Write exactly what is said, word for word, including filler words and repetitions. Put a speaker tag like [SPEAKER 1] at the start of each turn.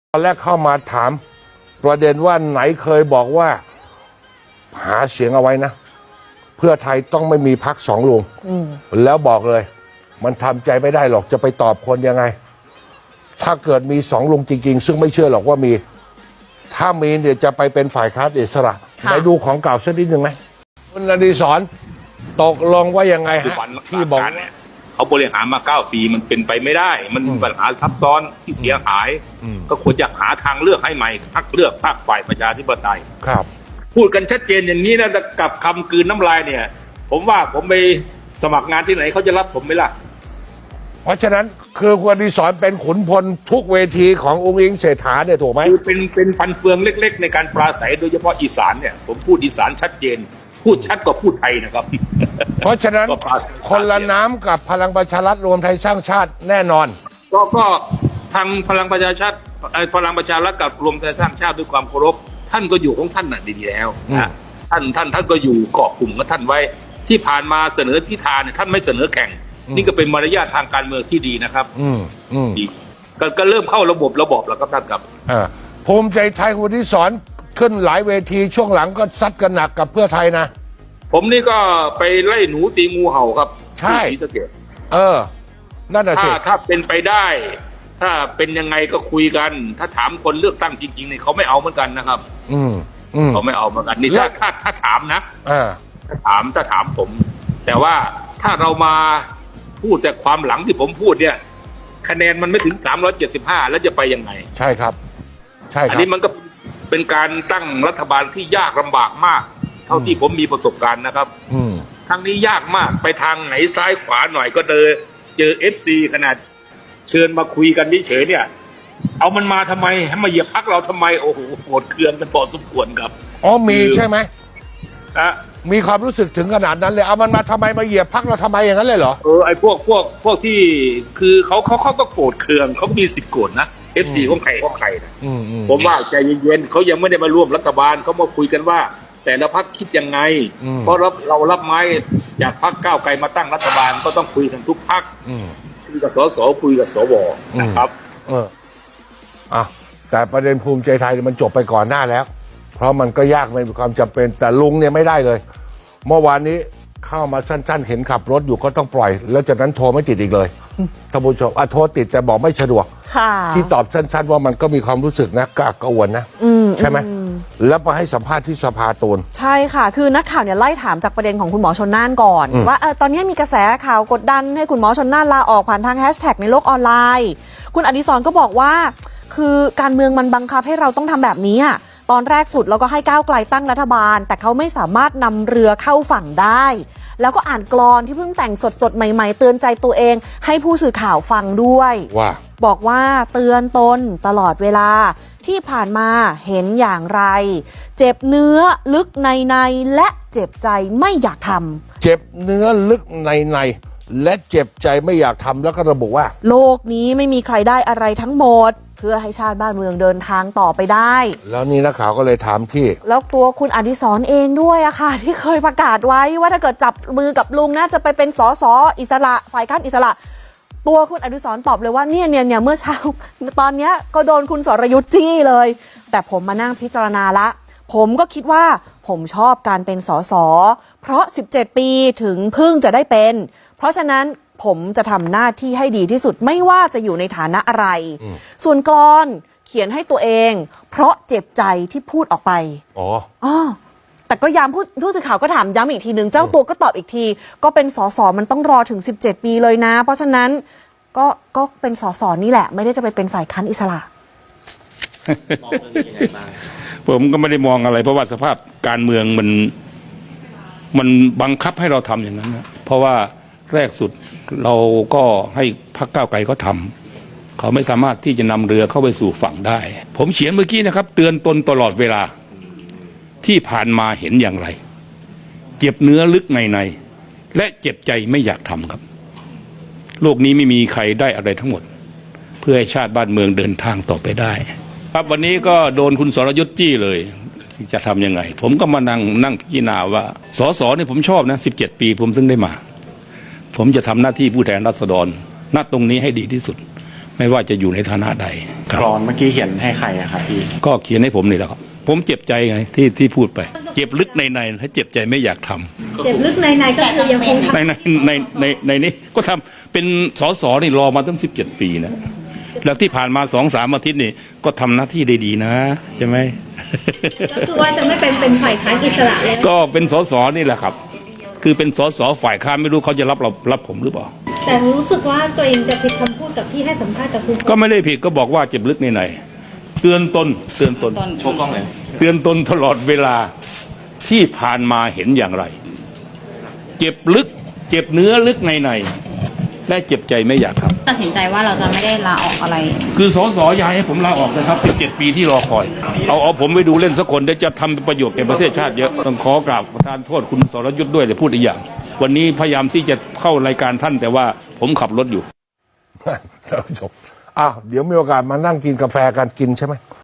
[SPEAKER 1] ตอนแรกเข้ามาถามประเด็นว่าไหนเคยบอกว่าหาเสียงเอาไว้นะเพื่อไทยต้องไม่มีพรรคสองลุงแล้วบอกเลยมันทำใจไม่ได้หรอกจะไปตอบคนยังไงถ้าเกิดมีสองลุงจริงๆซึ่งไม่เชื่อหรอกว่ามีถ้ามีเนี่ยจะไปเป็นฝ่ายค้านอิสระไปดูของเก่าสักนิดหนึ่งไหมคุณอดิศรตกลงว่ายังไงฮะที่บอกเนี่ย
[SPEAKER 2] เขาบริหารมาเก้าปีมันเป็นไปไม่ได้มันมีปัญหาซับซ้อนที่เสียหายก็ควรจะหาทางเลือกให้ใหม่พรรคเลือกพรรคฝ่ายประชาธิปไตย
[SPEAKER 1] ครับ
[SPEAKER 2] พูดกันชัดเจนอย่างนี้นะกับคำกลืนน้ำลายเนี่ยผมว่าผมไปสมัครงานที่ไหนเขาจะรับผมไหมล่ะ
[SPEAKER 1] เพราะฉะนั้นคือคุณอดิศรเป็นขุนพลทุกเวทีขององค์อิงเศรษฐาเนี่ยถูกไหม
[SPEAKER 2] คือเป็นเป็นพันเฟืองเล็กๆในการปราศัยโดยเฉพาะอีสานเนี่ยผมพูดอีสานชัดเจนพูดชัดกว่าพูดไทยนะครับ
[SPEAKER 1] เพราะฉะนั้นคนละน้ำกับพลังประชารัฐรวมไทยสร้างชาติแน่นอน
[SPEAKER 2] ก็ก็ทางพลังประชาชาติพลังประชารัฐกับรวมไทยสร้างชาติด้วยความเคารพท่านก็อยู่ของท่านน่ะดีๆแล้วนะท่านท่านท่านก็อยู่เกาะกลุ่มกับท่านไว้ที่ผ่านมาเสนอพิธาเนี่ยท่านไม่เสนอแข่งนี่ก็เป็นมารยาททางการเมืองที่ดีนะครับ
[SPEAKER 1] อืมอืม
[SPEAKER 2] ก็ก็เริ่มเข้าระบบระบบแล้วครับท่านครับ
[SPEAKER 1] อ่าภูมิใจไทยคุณอดิศรขึ้นหลายเวทีช่วงหลังก็ซัดกันหนักกับเพื่อไทยนะ
[SPEAKER 2] ผมนี่ก็ไปไล่หนูตีงูเห่าครับ
[SPEAKER 1] ใช่เออนั่นแหละสิ
[SPEAKER 2] ถ้าถ้าเป็นไปได้ถ้าเป็นยังไงก็คุยกันถ้าถามคนเลือกตั้งจริงๆเนี่ยเขาไม่เอาเหมือนกันนะครับ
[SPEAKER 1] อืมอืม
[SPEAKER 2] เขาไม่เอาเหมือนกันนี่ถ้าถ้าถ้าถามนะ
[SPEAKER 1] อ่า
[SPEAKER 2] ถ้าถามถ้าถามผมแต่ว่าถ้าเรามาพูดแต่ความหลังที่ผมพูดเนี่ยคะแนนมันไม่ถึงสามร้อยเจ็ดสิบห้าแล้วจะไปยังไง
[SPEAKER 1] ใช่ครับใช่ครับ
[SPEAKER 2] อันนี้มันก็เป็นการตั้งรัฐบาลที่ยากลำบากมากเท่าที่ผมมีประสบการณ์นะครับทางนี้ยากมากไปทางไหนซ้ายขวาหน่อยก็เจอเจอเอฟซีขนาดเชิญมาคุยกันเฉยๆเนี่ยเอามันมาทำไมให้มาเหยียบพรรคเราทำไมโอ้โหโกรธเคืองกันพอสมควรครับ
[SPEAKER 1] อ๋อมีใช่ไหม
[SPEAKER 2] อ่ะ
[SPEAKER 1] มีความรู้สึกถึงขนาดนั้นเลยเอามันมาทำไมมาเหยียบพรรคเราทำไมอย่างนั้นเลยเหรอ
[SPEAKER 2] เออไอ้พวกพวกพวกที่คือเขาเขาเขาก็โกรธเคืองเขามีสิทธิ์โกรธนะเอฟซีของใครของใครนะผมว่าใจเย็นๆเขายังไม่ได้มาร่วมรัฐบาลเขามาคุยกันว่าแต่ละพรรคคิดยังไงเพราะเราเรารับไม้จากพรรคก้าวไกลมาตั้งรัฐบาลก็ต้องคุยกันทุกพรรคคุยกับสสคุยกับสวนะครับ
[SPEAKER 1] เอออ่ะแต่ประเด็นภูมิใจไทยมันจบไปก่อนหน้าแล้วเพราะมันก็ยากไม่มีความจำเป็นแต่ลุงเนี่ยไม่ได้เลยเมื่อวานนี้เข้ามาสั้นๆเห็นขับรถอยู่ก็ต้องปล่อยแล้วจากนั้นโทรไม่ติดอีกเลยท่านผู้ชมอ่ะโทรติดแต่บอกไม่สะดวกที่ตอบสั้นๆว่ามันก็มีความรู้สึกนะกากกระวนนะใช่ไหมแล้วมาให้สัมภาษณ์ที่สภาตูน
[SPEAKER 3] ใช่ค่ะคือนักข่าวเนี่ยไล่ถามจากประเด็นของคุณหมอชนน่านก่อนว่าเออตอนนี้มีกระแสข่าวกดดันให้คุณหมอชนน่านลาออกผ่านทางแฮชแท็กในโลกออนไลน์คุณอดิศรก็บอกว่าคือการเมืองมันบังคับให้เราต้องทำแบบนี้อ่ะตอนแรกสุดเราก็ให้ก้าวไกลตั้งรัฐบาลแต่เขาไม่สามารถนำเรือเข้าฝั่งได้แล้วก็อ่านกลอนที่เพิ่งแต่งสดๆใหม่ๆเตือนใจตัวเองให้ผู้สื่อข่าวฟังด้วย
[SPEAKER 1] ว่า
[SPEAKER 3] บอกว่าเตือนตนตลอดเวลาที่ผ่านมาเห็นอย่างไรเจ็บเนื้อลึกในในและเจ็บใจไม่อยากทำ
[SPEAKER 1] เจ็บเนื้อลึกในในและเจ็บใจไม่อยากทำแล้วก็ระบุว่า
[SPEAKER 3] โลกนี้ไม่มีใครได้อะไรทั้งหมดเพื่อให้ชาติบ้านเมืองเดินทางต่อไปได้
[SPEAKER 1] แล้วนี่นักข่าวก็เลยถามที่
[SPEAKER 3] แล้วตัวคุณอดิศรเองด้วยอะค่ะที่เคยประกาศไว้ว่าถ้าเกิดจับมือกับลุงนะจะไปเป็นสสอิสระฝ่ายค้านอิสระตัวคุณอดิศรตอบเลยว่าเนี่ยเนี่ยเนี่ยเมื่อเช้าตอนเนี้ยก็โดนคุณสรยุทธ์จี้เลยแต่ผมมานั่งพิจารณาละผมก็คิดว่าผมชอบการเป็นสสเพราะสิบเจ็ดปีถึงเพิ่งจะได้เป็นเพราะฉะนั้นผมจะทำหน้าที่ให้ดีที่สุดไม่ว่าจะอยู่ในฐานะอะไรส่วนกลอนเขียนให้ตัวเองเพราะเจ็บใจที่พูดออกไป
[SPEAKER 1] อ๋อ
[SPEAKER 3] อ๋อแต่ก็ย้ำผู้ผู้สื่อข่าวก็ถามย้ำอีกทีหนึ่งเจ้าตัวก็ตอบอีกทีก็เป็นสสมันต้องรอถึงสิบเจ็ดปีเลยนะเพราะฉะนั้นก็ก็เป็นสสนี่แหละไม่ได้จะไปเป็นฝ่ายค้านอิสระ
[SPEAKER 2] มองเรื่องนี้ยังไงบ้างผมก็ไม่ได้มองอะไรเพราะว่าสภาพการเมืองมันมันบังคับให้เราทำอย่างนั้นนะเพราะว่าแรกสุดเราก็ให้พรรคก้าวไกลเขาทำเขาไม่สามารถที่จะนำเรือเข้าไปสู่ฝั่งได้ผมเขียนเมื่อกี้นะครับเตือนตนตลอดเวลาที่ผ่านมาเห็นอย่างไรเจ็บเนื้อลึกในในและเจ็บใจไม่อยากทำครับโลกนี้ไม่มีใครได้อะไรทั้งหมดเพื่อให้ชาติบ้านเมืองเดินทางต่อไปได้ครับวันนี้ก็โดนคุณสรยุทธ์จี้เลยจะทำยังไงผมก็มานั่งนั่งพิจารณาว่าสสเนี่ยผมชอบนะสิบเจ็ดปีผมถึงได้มาผมจะทำหน้าที่ผู้แทนราษฎรณตรงนี้ให้ดีที่สุดไม่ว่าจะอยู่ในฐานะใดค
[SPEAKER 4] กร
[SPEAKER 2] รับ
[SPEAKER 4] อนเมื่อกี้เขียนให้ใครอะครับพี่
[SPEAKER 2] ก็เขียนให้ผมนี่แหละครับ ผมเจ็บใจไงที่ที่พูดไป เจ็บลึกในในถ้าเจ็บใจไม่อยากทำ
[SPEAKER 5] เจ็บลึกในในก็คือยังคงทำ
[SPEAKER 2] ในในในในในนี้ก็ทำเป็นสสนี่รอมาตั้งสิบเจ็ดปีนะแล้วที่ผ่านมาสองสามอาทิตย์นี่ก็ทำหน้าที่ได้ดีนะใช่ไหม
[SPEAKER 5] ก็คือว่าจะไม่เป็นเป็นฝ่ายค้านอิสระเลย
[SPEAKER 2] ก็เป็นสสนี่แหละครับ คือเป็นสสฝ่ายค้านไม่รู้เขาจะรับเรารับผมหรือเปล่า
[SPEAKER 5] แต่รู้สึกว่าตัวเองจะผิดคำพูดกับที่ให้สัมภาษณ์กับคุณ
[SPEAKER 2] ก็ไม่ได้ผิดก็บอกว่าเจ็บลึกในในเตือนตนเตือนตน
[SPEAKER 4] โชว์กล้องเลย
[SPEAKER 2] เตือนตนตลอดเวลาที่ผ่านมาเห็นอย่างไร เจ็บลึก เจ็บเนื้อลึกในในและเจ็บใจไม่อยากทำ
[SPEAKER 6] ตัดสินใจว่าเราจะไม่ได้ลาออกอะไร
[SPEAKER 2] คือสสยายให้ผมลาออกนะครับสิบเจ็ดปีที่รอคอย เอาเอาผมไปดูเล่นสักคนเดี๋ยวจะทำประโยชน์แก่ประเทศชาติเยอะต้องขอกราบประทานโทษคุณสรยุทธ์ด้วยแต่พูดอีกอย่าง วันนี้พยายามที่จะเข้ารายการท่านแต่ว่าผมขับรถอยู่
[SPEAKER 1] ท่านผู้ชมอ้าวเดี๋ยวมีโอกาสมานั่งกินกาแฟกันกินใช่ไหม